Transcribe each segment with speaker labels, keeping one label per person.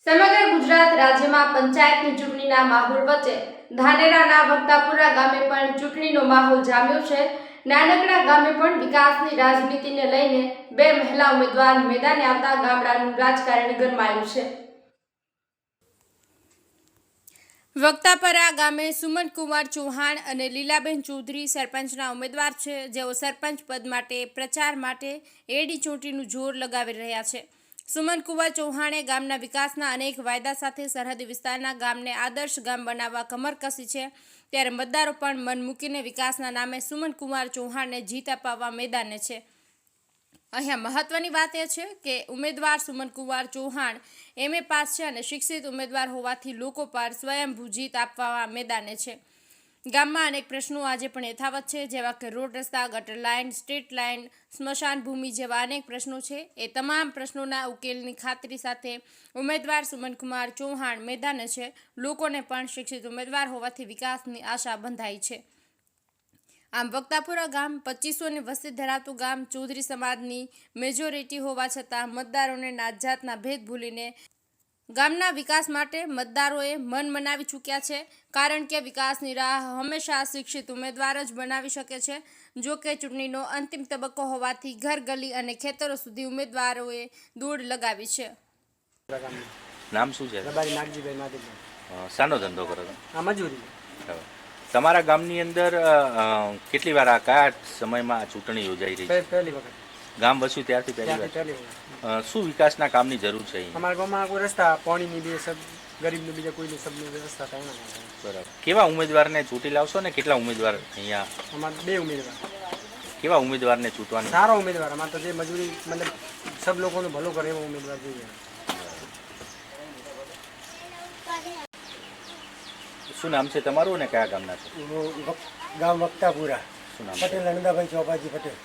Speaker 1: સમગ્ર ગુજરાત રાજ્યમાં પંચાયતની ચૂંટણીના માહોલ વચ્ચે ધાનેરાના વક્તાપુરા ગામે પણ ચૂંટણીનો માહોલ જામ્યો છે। નાનકડા ગામે પણ વિકાસની રાજનીતિને લઈને બે મહિલા ઉમેદવાર મેદાને આવતા ગામડાનું રાજકારણ ગરમાયું છે। વક્તાપરા ગામે સુમનકુમાર ચૌહાણ અને લીલાબેન ચૌધરી સરપંચના ઉમેદવાર છે, જેઓ સરપંચ પદ માટે પ્રચાર માટે એડી ચોટીનું જોર લગાવી રહ્યા છે। સુમનકુમાર ચૌહાણે ગામના વિકાસના અનેક વાયદા સાથે સરહદી વિસ્તારના ગામને આદર્શ ગામ બનાવવા કમર કસી છે, ત્યારે મતદારો પણ મન મૂકીને વિકાસના નામે સુમનકુમાર ચૌહાણને જીત અપાવવા મેદાને છે। અહીંયા મહત્વની વાત એ છે કે ઉમેદવાર સુમનકુમાર ચૌહાણ MA પાસ છે અને શિક્ષિત ઉમેદવાર હોવાથી લોકો પર સ્વયંભૂ જીત આપવા મેદાને છે। ગામમાં અનેક પ્રશ્નો આજે પણ યથાવત છે, જેવા કે રોડ, રસ્તા, ગટર લાઇન, સ્ટ્રીટ લાઇન, સ્મશાન ભૂમિ જેવા અનેક પ્રશ્નો છે। એ તમામ પ્રશ્નોના ઉકેલની ખાતરી સાથે ઉમેદવાર સુમનકુમાર ચૌહાણ મેદાને છે। લોકોને પણ શિક્ષિત ઉમેદવાર હોવાથી વિકાસની આશા બંધાઈ છે। આમ વક્તાપુરા ગામ 2500ની વસ્તી ધરાવતું ગામ, ચૌધરી સમાજની મેજોરિટી હોવા છતાં મતદારોને નાતજાતના ભેદ ભૂલીને ગામના વિકાસ માટે મતદારોએ મન મનાવી ચૂક્યા છે, કારણ કે વિકાસની રાહ હંમેશા શિક્ષિત ઉમેદવાર જ બનાવી શકે છે। જો કે ચૂંટણીનો અંતિમ તબક્કો હોવાથી ઘર, ગલી અને ખેતરો સુધી ઉમેદવારોએ દોડ લગાવી છે।
Speaker 2: નામ શું છે?
Speaker 3: રબારી નાગજીભાઈ માધવભાઈ।
Speaker 2: શાનો ધંધો કરો છો?
Speaker 3: આ મજૂરી।
Speaker 2: તમારા ગામની અંદર કેટલી વાર કયા સમયમાં આ ચૂંટણી યોજાઈ રહી છે?
Speaker 3: પહેલી વખત
Speaker 2: ગામ વસ્યું ત્યારથી પહેલી વાર। શું વિકાસના કામની જરૂર છે?
Speaker 3: અમારા ગામમાં કોઈ રસ્તા, પાણીની બે સબ ગરીબનું બીજા કોઈની સબની વ્યવસ્થા થાય ના।
Speaker 2: બરાબર। કેવા ઉમેદવારને ચૂંટી લાવશો ને કેટલા ઉમેદવાર અહીંયા?
Speaker 3: અમારે બે ઉમેદવાર।
Speaker 2: કેવા ઉમેદવારને ચૂંટવાના?
Speaker 3: સારો ઉમેદવાર। અમારે તો જે મજૂરી મતલબ સબ લોકોનું ભલું કરે એવો ઉમેદવાર જોઈએ।
Speaker 2: શું નામ છે તમારું ને કયા ગામના છો?
Speaker 3: ગામ વક્તાપુરા।
Speaker 2: શું નામ?
Speaker 3: પટેલ નંદાભાઈ ચોપાજી પટેલ।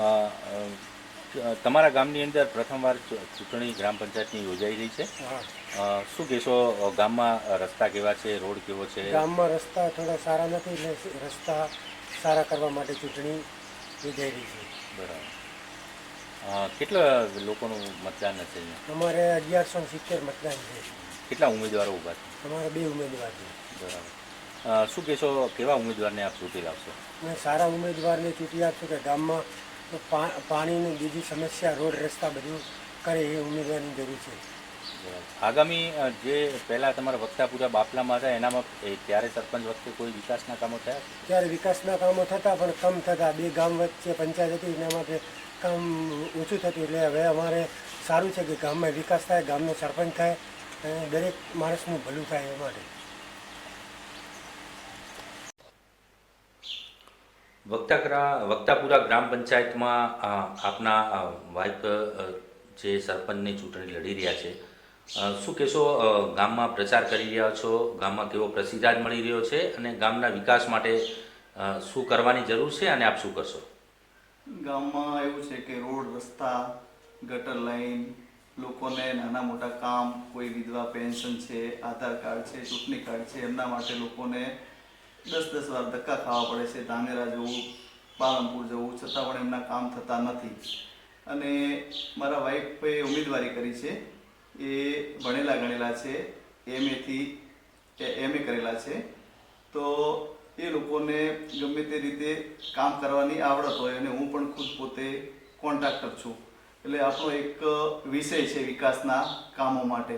Speaker 2: તમારા ગામની અંદર પ્રથમવાર ચૂંટણી ગ્રામ પંચાયતની યોજાઈ રહી છે। શું કહેશો, ગામમાં રસ્તા કેવા છે, રોડ કેવો છે?
Speaker 3: ગામમાં રસ્તા થોડા સારા નથી, એટલે રસ્તા સારા કરવા માટે ચૂંટણી યોજાઈ રહી છે।
Speaker 2: બરાબર। કેટલા લોકોનું મતદાન હશે અહીંયા?
Speaker 3: અમારે 1170 મતદાન છે।
Speaker 2: કેટલા ઉમેદવારો ઊભા છે?
Speaker 3: અમારે બે ઉમેદવાર છે।
Speaker 2: બરાબર। શું કહેશો, કેવા ઉમેદવારને આપ ચૂંટી લાવશો?
Speaker 3: મેં સારા ઉમેદવારને ચૂંટી આપશું કે ગામમાં પાણીની બીજી સમસ્યા, રોડ, રસ્તા બધું કરે એ ઉમેદવારની જરૂર છે।
Speaker 2: આગામી જે પહેલાં તમારા વક્તાપુરા બાપલામાં હતા એનામાં ત્યારે સરપંચ વખતે કોઈ વિકાસના કામો થયા?
Speaker 3: ત્યારે વિકાસના કામો થતા પણ કમ થતા, બે ગામ વચ્ચે પંચાયત હતી એના માટે કામ ઓછું થતું। એટલે હવે અમારે સારું છે કે ગામમાં વિકાસ થાય, ગામનો સરપંચ થાય અને દરેક માણસનું ભલું થાય એ માટે।
Speaker 2: વક્તાપુરા ગ્રામ પંચાયતમાં આપના વાઇફ જે સરપંચની ચૂંટણી લડી રહ્યા છે, શું કહેશો, ગામમાં પ્રચાર કરી રહ્યા છો, ગામમાં કેવો પ્રતિસાદ મળી રહ્યો છે અને ગામના વિકાસ માટે શું કરવાની જરૂર છે અને આપ શું કરશો?
Speaker 4: ગામમાં એવું છે કે રોડ, રસ્તા, ગટર લાઈન, લોકોને નાના મોટા કામ, કોઈ વિધવા પેન્શન છે, આધાર કાર્ડ છે, ચૂંટણી કાર્ડ છે, એમના માટે લોકોને 10-10 વાર ધક્કા ખાવા પડે છે। ધાનેરા જવું, પાલનપુર જવું, છતાં પણ એમના કામ થતા નથી। અને મારા વાઈફે ઉમેદવારી કરી છે, એ ભણેલા ગણેલા છે, MA કરેલા છે, તો એ લોકોને ગમે તે રીતે કામ કરવાની આવડત હોય, અને હું પણ ખુદ પોતે કોન્ટ્રાક્ટર છું, એટલે આપણો એક વિષય છે વિકાસના કામો માટે।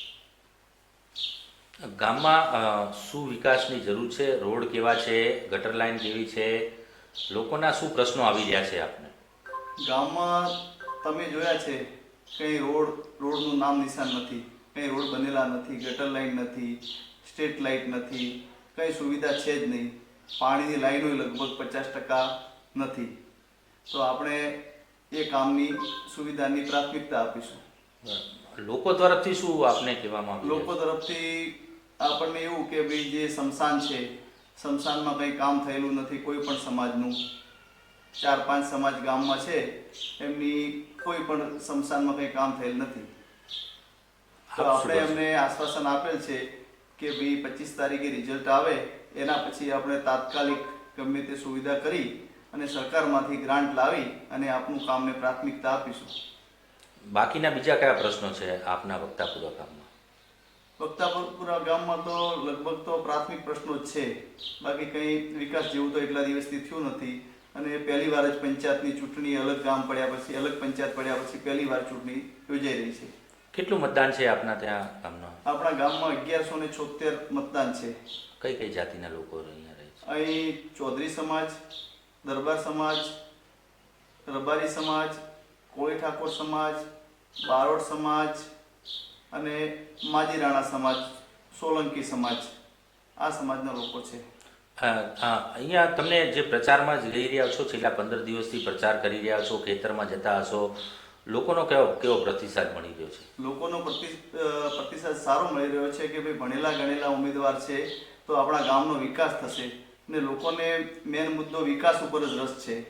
Speaker 2: ગામમાં શું વિકાસની જરૂર છે? રોડ કેવા છે? ગટર લાઈન કેવી છે? લોકોના શું પ્રશ્નો આવી રહ્યા છે આપને?
Speaker 4: ગામમાં તમે જોયા છે કંઈ રોડનું નામ નિશાન નથી, કંઈ રોડ બનેલા નથી, ગટર લાઈન નથી, સ્ટ્રીટ લાઇટ નથી, કંઈ સુવિધા છે જ નહીં। પાણીની લાઈનો લગભગ 50% નથી। તો આપણે એ કામની સુવિધાની પ્રાથમિકતા આપીશું।
Speaker 2: લોકો તરફથી શું આપને કહેવામાં આવ્યું?
Speaker 4: લોકો તરફથી આપણને એવું કે ભાઈ જે સ્મશાન છે, સ્મશાનમાં કંઈ કામ થયેલું નથી કોઈ પણ સમાજનું। 4-5 સમાજ ગામમાં છે, એમની કોઈ પણ સ્મશાનમાં કંઈ કામ થયેલ નથી। તો આપણે એમને આશ્વાસન આપેલ છે કે ભાઈ 25 તારીખે રિઝલ્ટ આવે એના પછી આપણે તાત્કાલિક ગમે તે સુવિધા કરી અને સરકારમાંથી ગ્રાન્ટ લાવી અને આપનું કામને પ્રાથમિકતા આપીશું।
Speaker 2: બાકીના બીજા કયા પ્રશ્નો છે આપના વક્તાપુરા ગામમાં?
Speaker 4: વક્તાપુરા ગામમાં તો લગભગ તો પ્રાથમિક પ્રશ્નો જ છે, બાકી કંઈ વિકાસ જેવું તો એટલા દિવસથી થયું નથી. અને પહેલી વાર જ પંચાયતની ચૂંટણી અલગ ગામ પડ્યા પછી, અલગ પંચાયત પડ્યા પછી પહેલી વાર ચૂંટણી યોજાઈ રહી છે.
Speaker 2: કેટલું મતદાન છે આપના ત્યાં ગામમાં?
Speaker 4: આપણા ગામમાં 1176 મતદાન છે.
Speaker 2: કઈ કઈ જાતિના લોકો અહીંયા રહે છે?
Speaker 4: અહીં ચૌધરી સમાજ, દરબાર સમાજ, રબારી સમાજ, કોળી ઠાકોર સમાજ, બારોટ સમાજ અને માજી રાણા સમાજ, સોલંકી સમાજ, આ સમાજના લોકો છે.
Speaker 2: અહીંયા તમને જે પ્રચારમાં જ લઈ રહ્યા છો, છેલ્લા 15 દિવસથી પ્રચાર કરી રહ્યા છો, ખેતરમાં જતા હશો, લોકોનો કેવો પ્રતિસાદ મળી રહ્યો છે?
Speaker 4: લોકોનો પ્રતિસાદ સારો મળી રહ્યો છે કે ભાઈ ભણેલા ગણેલા ઉમેદવાર છે તો આપણા ગામનો વિકાસ થશે, ને લોકોને મેન મુદ્દો વિકાસ ઉપર જ રસ છે.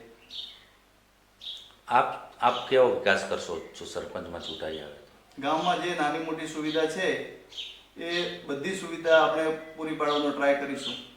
Speaker 2: આપ કેવો વિકાસ કરશો જો સરપંચમાં ચૂંટાઈ આવે તો?
Speaker 4: ગામમાં જે નાની મોટી સુવિધા છે એ બધી સુવિધા આપણે પૂરી પાડવાનો ટ્રાય કરીશું.